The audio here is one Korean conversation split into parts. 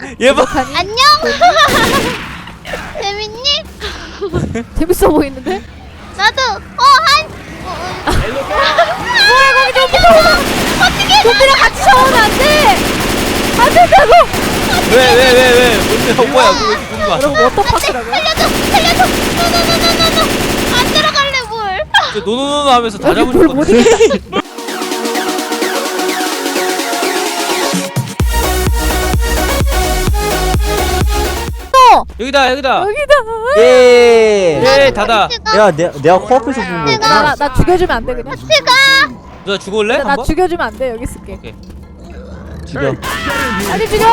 얘 봐. 안녕. 재밌니? 재밌어 보이는데? 나도. 뭐야 거기 좀비 샤워! 어떻게 좀비랑 같이 샤워는 안 돼! 안 된다고! 왜? 뭔데? 뭐야? 그거 여러분 워터파크라고요? 살려줘. 노노노노노노. 안 들어갈래 뭘. 노노노노 하면서 다 여기 잡을 물 것 못 같아. 이긴다. 여기다. 여기다! 예. 예, 닫아. 내가 코앞에서 보는 거구나. 나 죽여주면 안 돼 그냥? 누나 죽을래? 나 한번? 죽여주면 안 돼 여기 있을게. 오케이. 죽여. 빨리 죽여!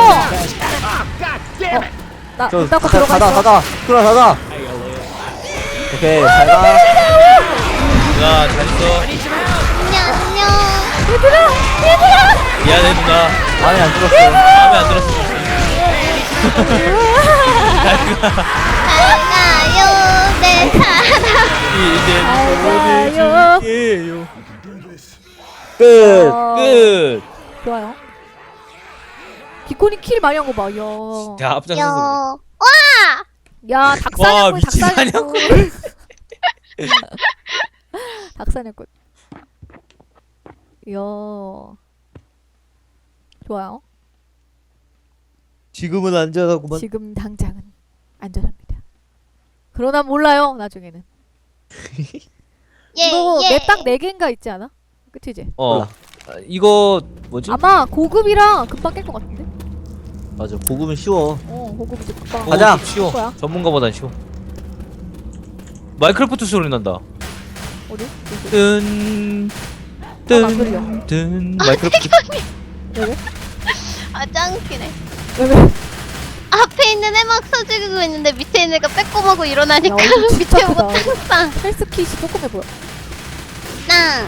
나 저 문 닫고 들어가 있어. 닫아. 그럼 닫아. 오케이, 잘 가. 누나 잘 있어. 안녕. 얘들아! 미안해 누나. 마음에 안 들었어. 마음에 안 들었어. 가요 내 사랑. 이제 가요. 보내줄게요. 끝. 끝. 좋아요. 기콘이 킬 많이 한 거 봐. 야. 야 앞장서서. 여. 와. 야 와, 닭사냥꾼 미친 닭사냥꾼. 닭사냥꾼. 이야. 좋아요. 지금은 안전하구만. 지금 당장은 안전합니다. 그러나 몰라요 나중에는. 이거 맵딱 4개인가 있지 않아? 그치지? 어. 이거 뭐지? 아마 고급이랑 금방 깰 것 같은데? 맞아, 고급은 쉬워. 고급 이제 금방. 가자. 쉬워. 거야? 전문가보단 쉬워. 마이크로프트 소리 난다. 어디? 뜬. 안 들려. 뜬. 마이크로프트. 왜? 아 짱웃기네. 왜? 앞에 있는 애 막 서죽이고 있는데 밑에 있는 애가 빼꼼하고 일어나니까 야, 얼굴 진짜 밑에 크다. 못하겠다. 헬스킷이 조금해 보여. 나.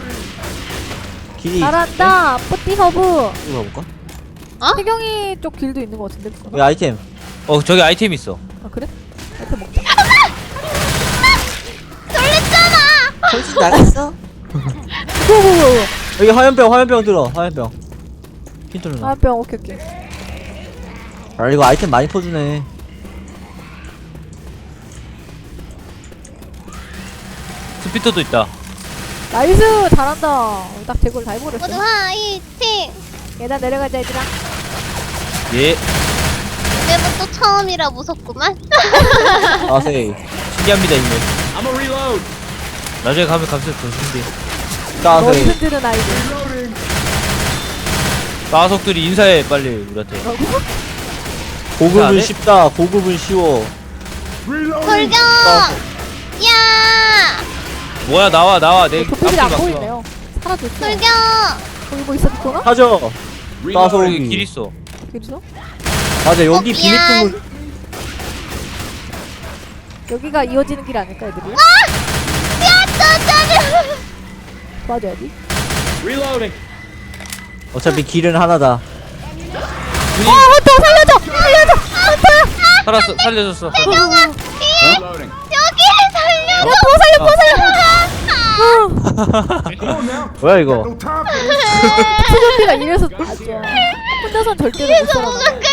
길이 잘한다. 뿌띠 허브. 이거 가볼까? 태경이 쪽 길도 있는 것 같은데? 여기 아이템. 저기 아이템 있어. 아 그래? 이렇게 먹자. 놀랬잖아. 정신 나갔어? 여기 화염병 들어. 화염병. 핀 뚫나? 화병 오케이. 아, 이거 아이템 많이 퍼주네. 스피터도 있다. 나이스 잘한다. 딱 제걸 다 해버렸어. 모두 화이팅. 계단 내려가자 얘들아. 예. 이제부터 처음이라 무섭구만. 아세이. 신기합니다 이거. 나중에 가면 감수해서 더 신기해. 머리 따세이. 흔드는 아이들. 마석들이 인사해 빨리 우리한테. 고급은 안 해? 쉽다. 고급은 쉬워. 돌격. 야. 뭐야 나와 내 도표들이 안 앞을 보이네요. 사라졌어. 돌격. 거기 뭐 있어 비코나? 하죠. 여기 길 따소기. 있어. 길 있어? 맞아, 여기 미안. 비밀통을. 여기가 이어지는 길 아닐까 애들이? 야, 짜짜짜. 도와줘야지. 어차피 길은 하나다. 헌터 살려줘! 살려줬어. 여기 살려. 야 도와살려! 뭐야 이거? 수전비가 이래서 아주 혼자선 절대로 못 살아.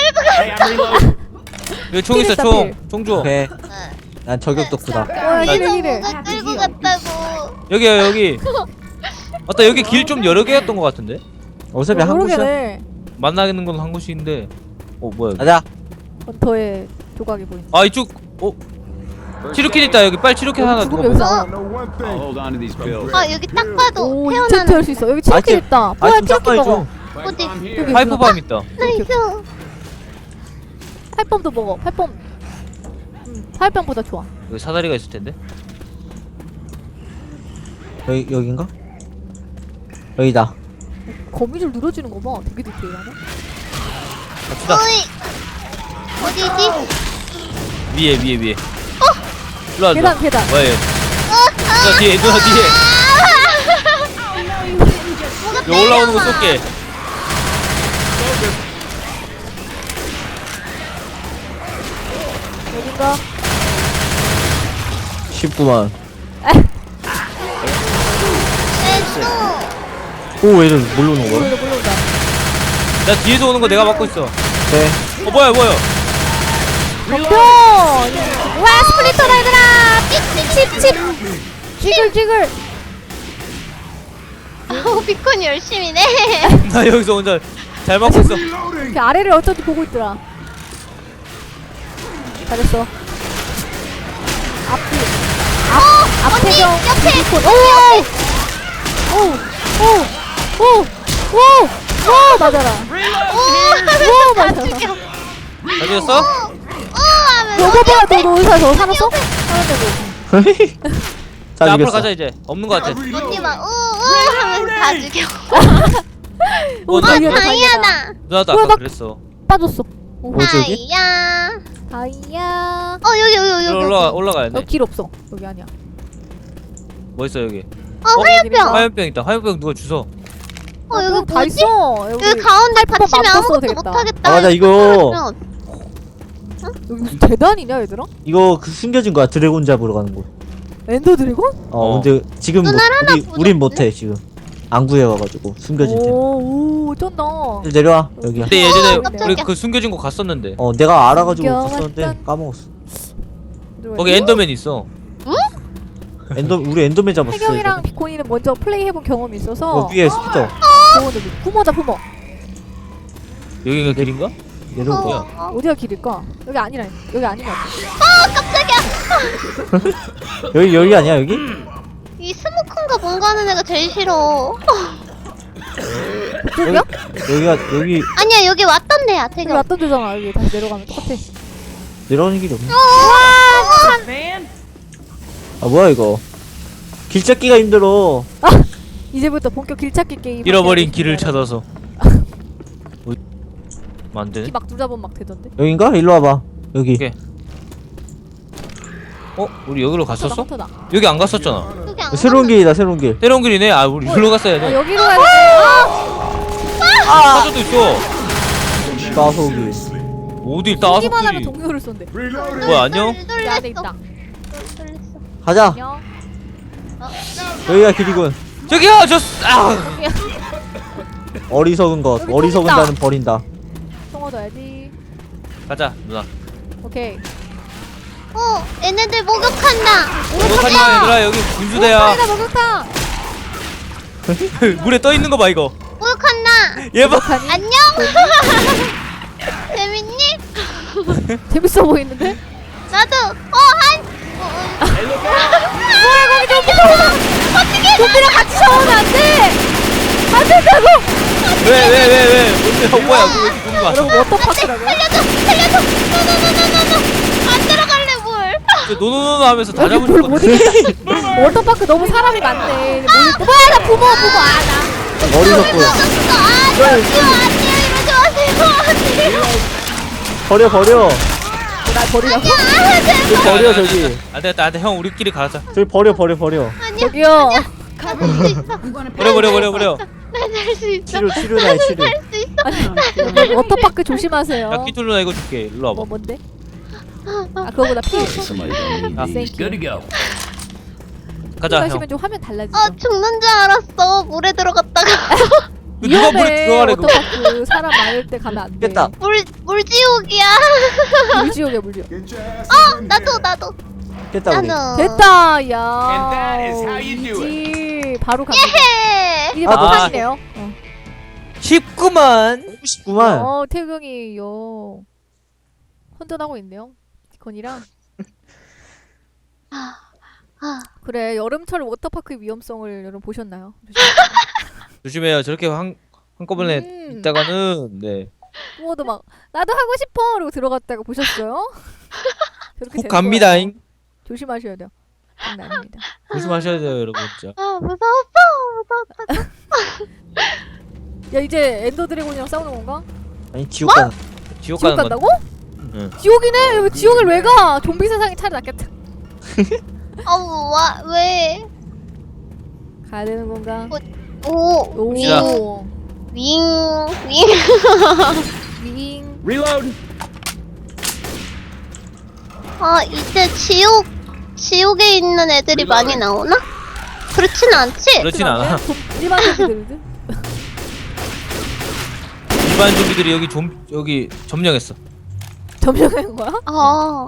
여기 총 있어 필 있다, 총. 필. 총 줘. 오케이. 난 저격 덕후다. 와 이래. 뭐가 끌고 갔다고. 여기. 맞다 여기 길 좀 여러 개였던 것 같은데. 어차피 한 곳이야. 모르겠네. 만나는 건 한 곳인데. 뭐야? 여기. 가자. 헌터의 조각이 보인다. 아 이쪽. 치료킷 있다 여기 빨리 치료킷 하나 죽음 누가 여기서 먹어. 안 와. I'll hold on to these pills. 아 여기 딱 봐도 오 태어나는. 인챈트 할 수 있어. 여기 치킨 아이템. 있다. 뭐야 아이템 치킨 짝깔 먹어. 줘. 어디? I'm here. 파이프밤 있다. 나이스. 팔pom도 먹어. 팔pom. 팔pom보다 좋아. 여기 사다리가 있을 텐데. 여긴가? 여기다. 거미줄 늘어지는 거 봐. 되게 디테일하네. 갑시다. 어이. 어디지? 위에. 일로 와. 계단. 뭐야 얘. 누나 뒤에. 여기 올라오는 거 쏠게. 여긴가? 쉽구만. 또. 오, 얘들 뭘로 오는 거야? 몰라온다. 나 뒤에서 오는 거 내가 막고 있어. 오케이. 뭐야 덤벼! 와 스플리터다 얘들아! 칩칩칩! 지글! 비콘이 열심히네. 나 여기서 혼자 잘 막고 있어. 그 아래를 어쩐지 보고 있더라. 잘했어. 앞태경 옆에. 오 맞아라. 오, 오 다 맞아라. 죽여. 잘 죽였어? 너 봐봐 너 의사 저 살았어? 살았다고. 다 자, 앞으로 죽였어. 가자 이제. 없는 거 같아. 언니 막 하면서 다 죽여. 오 나 다이아다 다이아다. 누나도 뭐야, 아까 나- 그랬어. 빠졌어. 뭐지 여기? 다이아. 다이아. 여기. 올라가야 돼. 여기 길 없어. 여기 아니야. 뭐 있어 여기? 화염병. 화염병 있다. 화염병 누가 주워? 여기 다 뭐지? 있어. 여기 가운데 받치면 맘 써도 아무것도 되겠다. 못하겠다. 아 맞아 이거 여기 무슨 대단이냐 얘들아? 이거 그 숨겨진 거야. 드래곤 잡으러 가는 거. 엔더 드래곤? 근데 지금 눈알 하나 우린 부족해. 못해 지금. 안 구해와가지고 숨겨진 템. 오 쩐다. 내려와 여기야. 근데 예전에 깜짝이야. 우리 그 숨겨진 거 갔었는데. 내가 알아가지고 숨겨왔던- 갔었는데 까먹었어. 거기 엔더맨 있어. 우리 엔더맨 잡았어. 태경이랑 비코니는 먼저 플레이 해본 경험이 있어서 위에 스피터. 부모다 부모. 여기가 길인가? 내려올 거야. 어디가 길일까? 여기 아니라 여기 아닌 것 같아. 여기 아니야 여기? 이 스모크인가 뭔가 하는 애가 제일 싫어. 여기야? 여기 아니야 여기 왔던 데야 여기 태경. 왔던 데잖아. 여기 다시 내려가면 똑같아. 내려오는 길이 없네. 아 뭐야 이거? 길 찾기가 힘들어. 이제부터 본격 길찾기 게임. 잃어버린 길을 찾아서. 안 되네. 막 누잡으면 막 되던데. 여긴가? 일로 와봐. 여기. 오케이. 우리 여기로 갔었어? 헌터다. 여기 안 갔었잖아. 여기 안 새로운 길이다 새로운 길. 새로운 길이네. 아 우리 여기로 갔어야 돼. 여기로 가야 돼. 사저도 있어. 따소길. 어디 따서 기만 하면 길이. 동료를 쏜대. 뭐야 안녕? 여기 안에 있다. 가자. 안녕. 여기가 길이군. 저기요 어리석은 것. 여기 어리석은 똥 있다. 자는 버린다. 똥 얻어야지. 가자 누나. 오케이. 얘네들 목욕한다. 목욕하자 얘들아 여기 분수대야. 목욕탕이다 목욕탕. 물에 떠 있는 거 봐 이거. 목욕한다. 얘 봐. 목욕하니? 안녕. 재밌니? 재밌어 보이는데? 나도. 뭐야 거기 좀비 샤워. 어떻게? 좀비랑 같이 샤워는 안 돼. 안 된다고. 왜? 뭔데? 뭐야 그거 누군 거 여러분 워터파크라고요? 살려줘. 노노노노노노. 안 들어갈래 뭘? 노노노노 하면서 다 여기 잡을 뭘 것 못 같아. 이기겠어. 워터파크 너무 사람이 많네. 뭐야 나 부모 나. 어리석고. 저기요 안녕 이러지 마세요. 버려. 날 버리라고? 버려 저기. 안 되겠다 형 우리끼리 가자. 저기 버려. 저기요. 가질 수 있어. 버려. 난할수 있어. 치료다 치료. 할수 있어. 워터파크 조심하세요. 야 끼툴 누나 이거 줄게. 일로 와봐. 뭔데? 아 그거보다 피. Somebody don't need Ah. these. Good to go. 가자 형. 하시면 좀 화면 달라지죠. 죽는 줄 알았어. 물에 들어갔다가. 누가 물에 들어가래 그거. 워터파크 사람 많을 때 가면 안 돼. 깼다. 물지옥이야. 물지옥이야 물지옥. 나도. 깼다 우리. 나도. 됐다 야. And that is how you do it. 이지 바로 갑니다. 예. 이게 아. 막판이네요. 쉽구만. 19만. 태경이 혼돈하고 있네요. 디콘이랑. 그래 여름철 워터파크의 위험성을 여러분 보셨나요? 조심해요. 저렇게 한꺼번에 음. 있다가는 네. 부모도 막 나도 하고 싶어 이러고 들어갔다가 보셨어요? 저렇게 훅 되는 갑니다잉. 거예요. 조심하셔야 돼요. 장난 아닙니다. 조심하셔야 돼요 여러분 진짜. 무서웠어. 야 이제 엔더 드래곤이랑 싸우는 건가? 아니 지옥 가. 지옥 지옥 가는 건. 간다고? 응. 지옥이네? 왜 지옥을 왜 가? 좀비 세상이 차라리 낫겠다. 왜? 가야 되는 건가? 오. 갑시다. 윙. 윙. Reload. 이제 지옥에 있는 애들이 많이 나오나? 그렇진 않지? 그렇진 않아. 일반 좀비들은 일반 좀비들이 여기 점령했어. 점령한 거야? 어.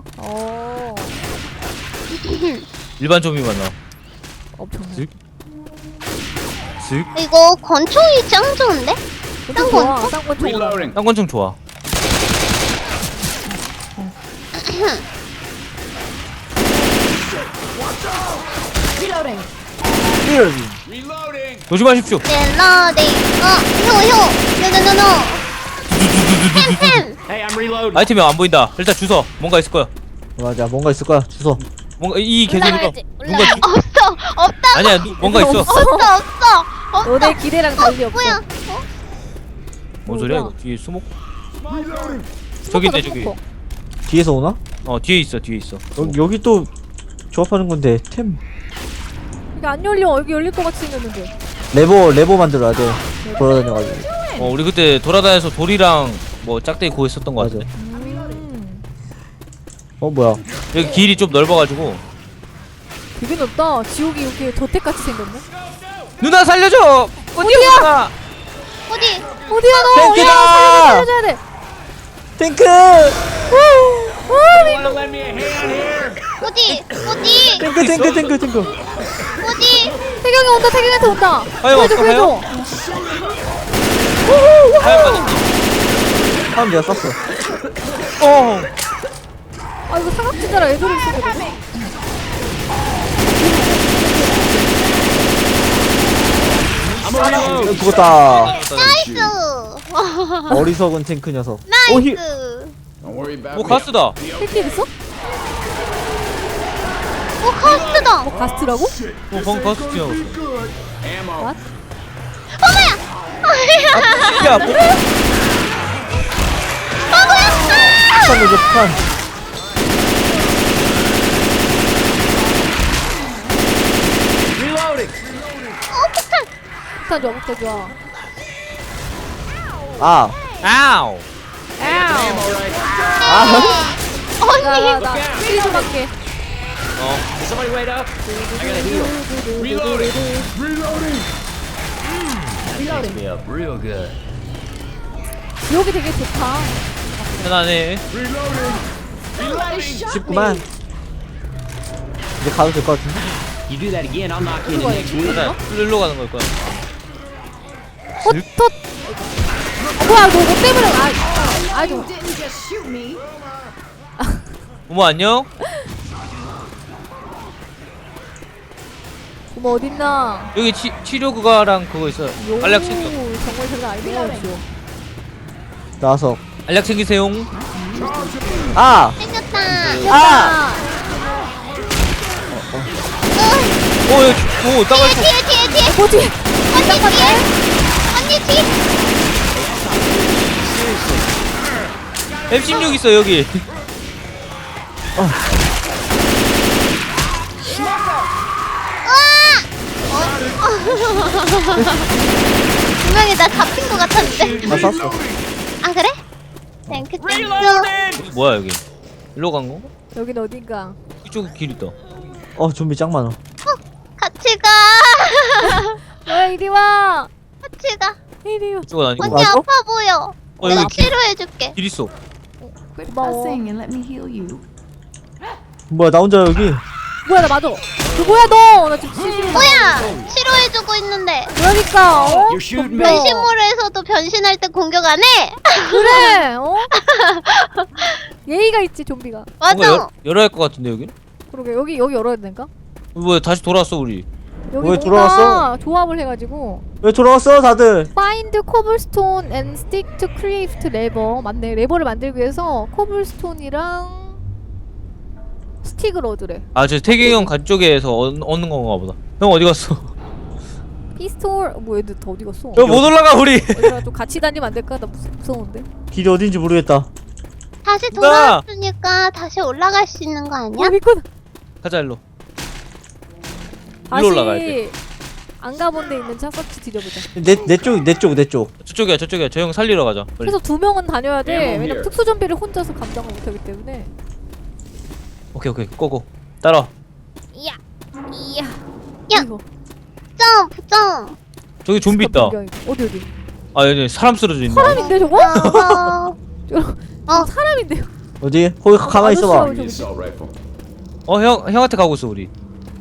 일반 좀비만 나와. 엄청나. 쓱. 쓱. 이거 권총이 짱 좋은데? 쌍권 좋아. 쌍권 좋아. Reloading. 쌍권총 좋아. Reloading. 조심하십시오. 릴러딩. 효. 노노노노. 템템. Hey, I'm reloading. 아이템이 안 보인다. 일단 주워. 뭔가 있을 거야. 맞아, 뭔가 있을 거야. 주소. 뭔가 이 계절이가 올라가야지. 뭔가 없어. 없다고. 아니야 뭔가 있어. 없어. 너네 기대랑 달리 없어. 뭐야? 뭔 소리야 이거? 뒤에 수목? 저기 있네 저기. 뒤에서 오나? 뒤에 있어 뒤에 있어. 여기 또 조합하는 건데 템 이게 안 열려. 여기 열릴 것 같이 생겼는데. 레버 만들어야 돼. 돌아다녀가지고. 우리 그때 돌아다녀서 돌이랑 뭐 짝대기 구했었던 거 맞아. 같은데. 뭐야? 여기 길이 좀 넓어가지고. 되게 넓다. 지옥이 이렇게 저택같이 생겼네. 누나 살려줘. 어디야? 어디? 어디야 너? 탱크다! 야, 살려줘야 돼. 탱크! Wanna lend me a hand here? 어디? 탱크. 어디? 태경이 온다. 태경이한테 온다. 하영 구해줘 없어, 구해줘. 하얀 맞았다. 사람 내가 쐈어. 아 이거 사각지대라 애들이 있어. I'm a reload. 죽었다. 나이스. 어리석은 탱크 녀석. 오, 힐. 나이스. Don't worry about 뭐 me. 가스다. 힐킬 있어? 오 카스트다. 뭐 가스트라고? 방금 가스 지나갔어. Ammo. 야 뭐? 폭탄 넣어줘, 폭탄. Reloading. 폭탄 좋아 폭탄 좋아. 아, 아우. Ammo right. 언니. 나나 힐 좀 할게. Somebody wait up. I gotta heal. Reloading. Reloading. Me up real good. 지옥이 되게 좋다. 편안해. Reloading. Reloading. 쉽구만. 이제 가도 될 것 같은데? You do that again, I'll knock you in the next week. 그래. 일로 가는 걸 거야. 헛헛. 뭐야 너 때문에 아이고. 부모 안녕. 고모 어딨나? 여기 치료 그거랑 그거 있어. 알약 챙겨. 정말 장난 아니네요 지옥. 나와서. 알약 챙기세요. 아! 생겼다. 아! 여기 따갈 수. 뒤에. 뭐지? 언니 뒤. M16 있어 여기. 분명히 나 잡힌 것 같았는데. 나 쐈어. 아 그래? 땡크. 뭐야 여기? 일로 간 거? 여긴 어딘가? 이쪽 길 있다. 좀비 짱 많아. 같이 가. 왜 이리 와? 같이 가. 이리 와. 이쪽은 아니고. 언니 맞아? 아파 보여. 여기 내가 길, 치료해줄게. 길 있어. Quit 고마워. fussing and let me heal you. 뭐야, 나 혼자 여기. 뭐야 나 맞아. 그 뭐야 너? 나 지금 치료. 뭐야? 치료해주고 있는데. 그러니까 어? You're shooting me. 변신모르에서도 변신할 때 공격 안 해? 그래. 어? 예의가 있지 좀비가. 맞아. 뭔가 열어야 할 것 같은데 여기? 그러게 여기 열어야 되는가? 뭐야 다시 돌아왔어 우리. 여기 왜 뭔가 돌아왔어? 조합을 해가지고 왜 돌아왔어, 다들? Find cobblestone and stick to create lever. 맞네. 레버를 만들기 위해서 코블스톤이랑 스틱을 얻으래. 저 태경이 형 간쪽에서 얻는 건가 보다. 형 어디 갔어? 피스톨 뭐 애들 다 어디 갔어? 저 못 올라가 우리. 얘들아 좀 같이 다니면 안 될까? 나 무서운데. 길이 어딘지 모르겠다. 다시 돌아왔으니까 다시 올라갈 수 있는 거 아니야? 여기 있구나. 가자 일로. 다시 올라가야 돼. 안 가본 데 있는 차서치 뒤져보자. 내 쪽. 저쪽이야. 저 형 살리러 가자. 빨리. 그래서 2명은 다녀야 돼. Ammo 왜냐면 here. 특수 좀비를 혼자서 감당을 못하기 때문에. 오케이 고고. 따라. 이야. 야. 이거. 점프. 저기 좀비 있다. 어디. 아 여기 사람 쓰러져 있네. 사람인데 저거? 어. 사람인데요. 어디? 거기 가만히 있어봐. 아저씨라고 저기. Assault rifle. 형한테 가고 있어 우리.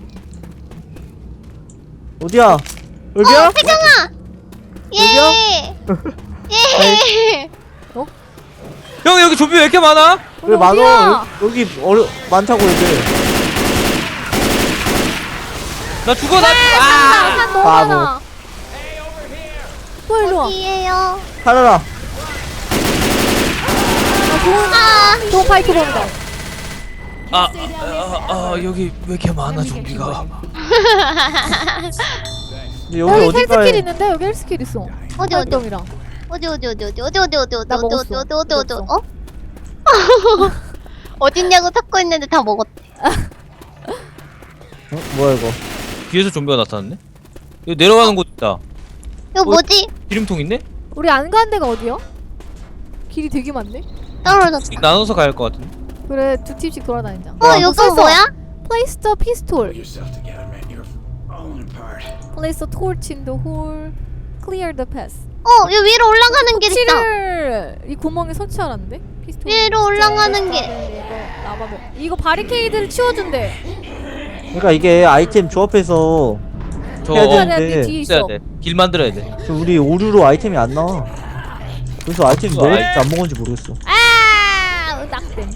어디야? 여기야? 태경아. 예. 예. 형 여기 좀비 왜 이렇게 많아? 왜 많어? 어디야? 여기 많다고 애들. 나 죽어 나. 산 너무 바보. 많아. 또 일로 와. 어디에요? 살아라. 좋은 파이트 범이다. 여기 왜 이렇게 많아 좀비가? 근데 여기 여기 헬스킬 어디가에? 있는데 여기 헬스킬 있어. 어디? 활동이랑. 어디? 나 먹었어. 어? 어딨냐고 찾고 있는데 다 먹었대. 뭐야 이거? 뒤에서 좀비가 나타났네? 여기 내려가는 곳 있다. 이거 뭐지? 기름통 있네? 우리 안 가는 데가 어디야? 길이 되게 많네. 떨어졌어. 나눠서 가야 할 것 같은데. 그래 두 팀씩 돌아다니자. 이거 뭐야? Place the pistol. Yourself together, man. You're falling apart. Place a torch in the hole. Clear the path. 여기 위로 올라가는 길 있다. 치를 이 구멍에 설치하라는데? 피스톨. 위로 올라가는 길. 이거 바리케이드를 치워준대. 그러니까 이게 아이템 조합해서 저 해야 해야 되는데 돼. 뒤에 있어야 있어. 돼. 길 만들어야 돼. 지금 우리 오류로 아이템이 안 나와. 그래서 아이템 이거 먹었는지 안 먹었는지 모르겠어. 낙댐.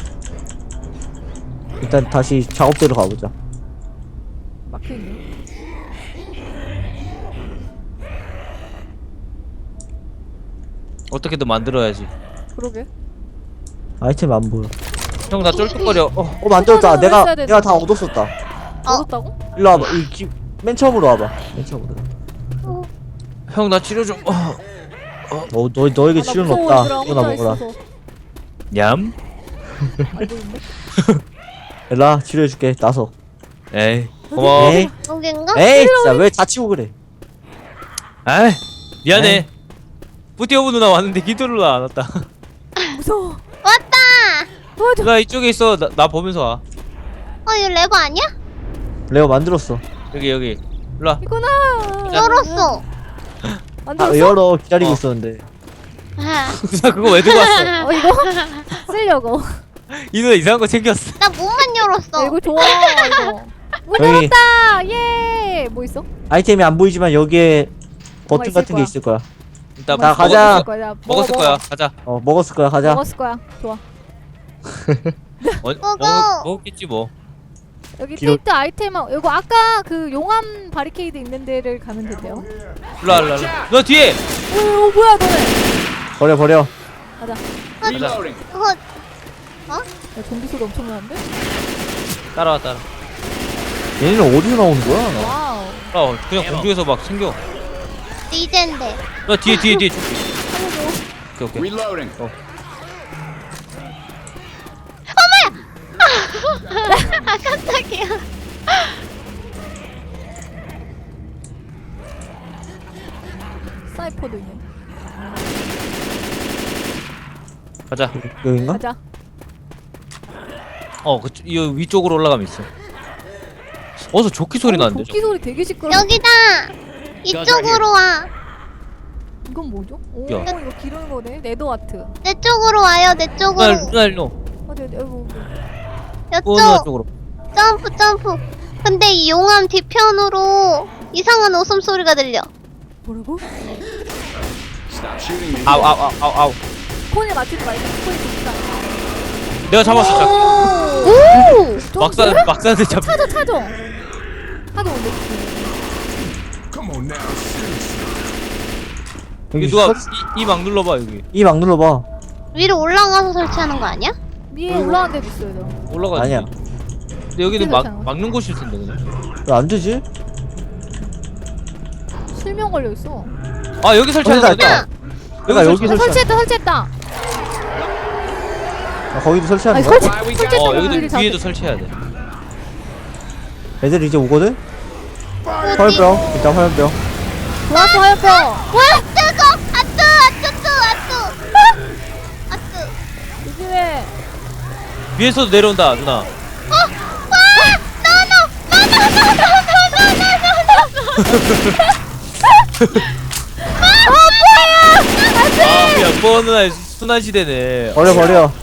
일단 다시 작업대로 가보자. 막혀있네. 어떻게든 만들어야지. 그러게. 아이템 안 보여. 형 나 쫄뚝거려. 만들었다. 이거는 내가 했어야 되는데. 내가 다 얻었었다. 얻었다고? 일로 와봐. 맨 처음으로 와봐. 맨 처음으로. 형 나 치료 좀. 너에게 아, 나 치료는 무서워, 없다. 얘들아. 이거나 혼자 먹어라. 있어서. 얌. 알고 있네. 일라 치료해줄게. 나서. 에이 고마워. 에이, 여긴가? 에이, 진짜 왜 다치고 그래? 아이 미안해. 뿌띠오브 누나 왔는데 기도 누나 안 왔다. 무서워. 왔다. 도와줘. 누나 이쪽에 있어. 나 보면서 와. 이거 레버 아니야? 레오 만들었어. 여기 일로 와. 이거나. 열었어. 만들었어? 열어 기다리고 어. 있었는데. 누나 그거 왜 들고 왔어? 이거 쓰려고. 이 누나 이상한 거 챙겼어. 나 문만 열었어. 이거 좋아 이거. 문 여기. 열었다. 예. 뭐 있어? 아이템이 안 보이지만 여기에 버튼 있을 같은 게 거야. 있을 거야. 일단 자, 가자. 먹었을 거야. 가자. 먹었을 거야. 가자. 먹었을 거야. 좋아. 먹어. 먹었겠지 뭐. 여기 뒤로- 테이트 아이템 이거 아까 그 용암 바리케이드 있는 데를 가면 된대요. 일로 와. 누나 뒤에. 오 뭐야 너네. 버려. 가자. Reloading. 야, 좀비 소리 엄청 나는데? 따라와. 얘네는 어디서 나오는 거야? 와우. 그냥 공중에서 막 챙겨. 리젠데. 누나 뒤에. 오케이. Reloading. 깜짝이야. 사이퍼도 있네. 가자. 여긴가? 가자. 이 위쪽으로 올라가면 있어. 어서 조끼 소리 나는데. 도끼 소리 되게 시끄러. 여기다. 이쪽으로 와. 이건 뭐죠? 오 야. 이거 기르는 거네. 네더아트. 내 쪽으로 와요. 내 쪽으로. 누나 일로. 어디 아이고. 누나 이쪽. 쪽으로. 점프. 근데 이 용암 뒤편으로 이상한 웃음소리가 들려. 뭐라고? Stop shooting me. 아우. 폰에 맞추지 말고 폰이 좋다. 내가 잡았어. 오! 막사한테 잡. 찾아. 하도 온대. 여기 누가 이 막 눌러봐 여기. 이 막 눌러봐. 위로 올라가서 설치하는 거 아니야? 위에 올라간 데도 있어 얘들아. 올라가. 아니야. 근데 여기는 어떻게 설치하는 거야? 막는 곳일 텐데 그냥. 왜 안 되지? 실명 걸려 있어. 아 여기 설치하는 거기다 거다. 있다. 내가 여기 설치했다. 거기도 설치하는 아니 거야? Why we got 설치했다고 여기도 우리를 뒤에도 잡- 설치해야 돼. 애들 이제 오거든? 어디? 화염병. 일단 화염병. 좋았어 화염병. 와 뜨거! 아뜨! 조심해. 위에서도 내려온다 누나. 아 뭐야? 그냥 뻔한 순환 시대네. 버려.